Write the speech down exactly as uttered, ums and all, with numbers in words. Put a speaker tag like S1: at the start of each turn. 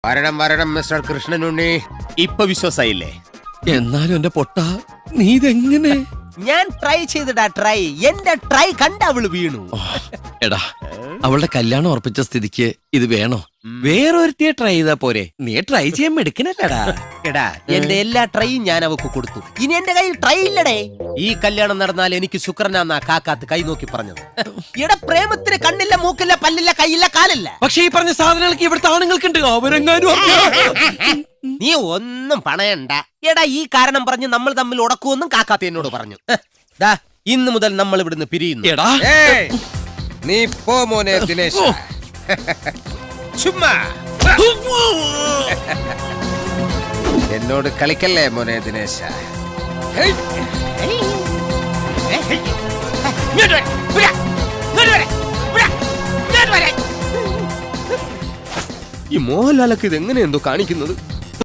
S1: വരണം വരണം മിസ്റ്റർ കൃഷ്ണനുണ്ണി. ഇപ്പൊ വിശ്വാസായില്ലേ?
S2: എന്നാലും എന്റെ പൊട്ട, നീ ഇതെങ്ങനെ?
S1: ഞാൻ ട്രൈ ചെയ്തിടാ ട്രൈ. എന്റെ ട്രൈ കണ്ട അവള് വീണു.
S2: എടാ, അവളുടെ കല്യാണം ഉറപ്പിച്ച സ്ഥിതിക്ക് ഇത് വേണോ? വേറൊരുത്തിയെ ട്രൈ ചെയ്താ പോരെ? നീ ട്രൈ ചെയ്യാൻ എടുക്കണല്ലേടാ.
S1: എടാ, എന്റെ എല്ലാ ട്രൈയും ഞാൻ അവക്ക് കൊടുത്തു. ഇനി എന്റെ കയ്യിൽ ട്രൈ ഇല്ലടേ. ഈ കല്യാണം നടന്നാൽ എനിക്ക് ശുക്രനാന്നാ കാക്കാത്ത് കൈ നോക്കി പറഞ്ഞത്. എടാ, പ്രേമത്തിന് കണ്ണില്ല, മൂക്കില്ല, പല്ലില്ല, കൈയില്ല, കാലില്ല.
S2: പക്ഷെ ഈ പറഞ്ഞ സാധനങ്ങൾക്ക് ഇവിടുത്തെ ആണുങ്ങൾക്കുണ്ട്. അവരെങ്ങാനും
S1: നീ ഒന്നും പണയണ്ട. എടാ, ഈ കാരണം പറഞ്ഞ് നമ്മൾ തമ്മിൽ ഉടക്കുമെന്നും കാക്കാത്ത എന്നോട് പറഞ്ഞു. ദാ, ഇന്ന് മുതൽ നമ്മൾ ഇവിടുന്ന് പിരിയുന്നു.
S2: എടാ,
S1: നീ പോ മോനെ ദിനേശ്. ചുമ്മാ എന്നോട് കളിക്കല്ലേ മോനെ ദിനേശ. ഈ മോഹൻലാലൊക്കെ ഇത് എങ്ങനെ എന്തോ കാണിക്കുന്നത്?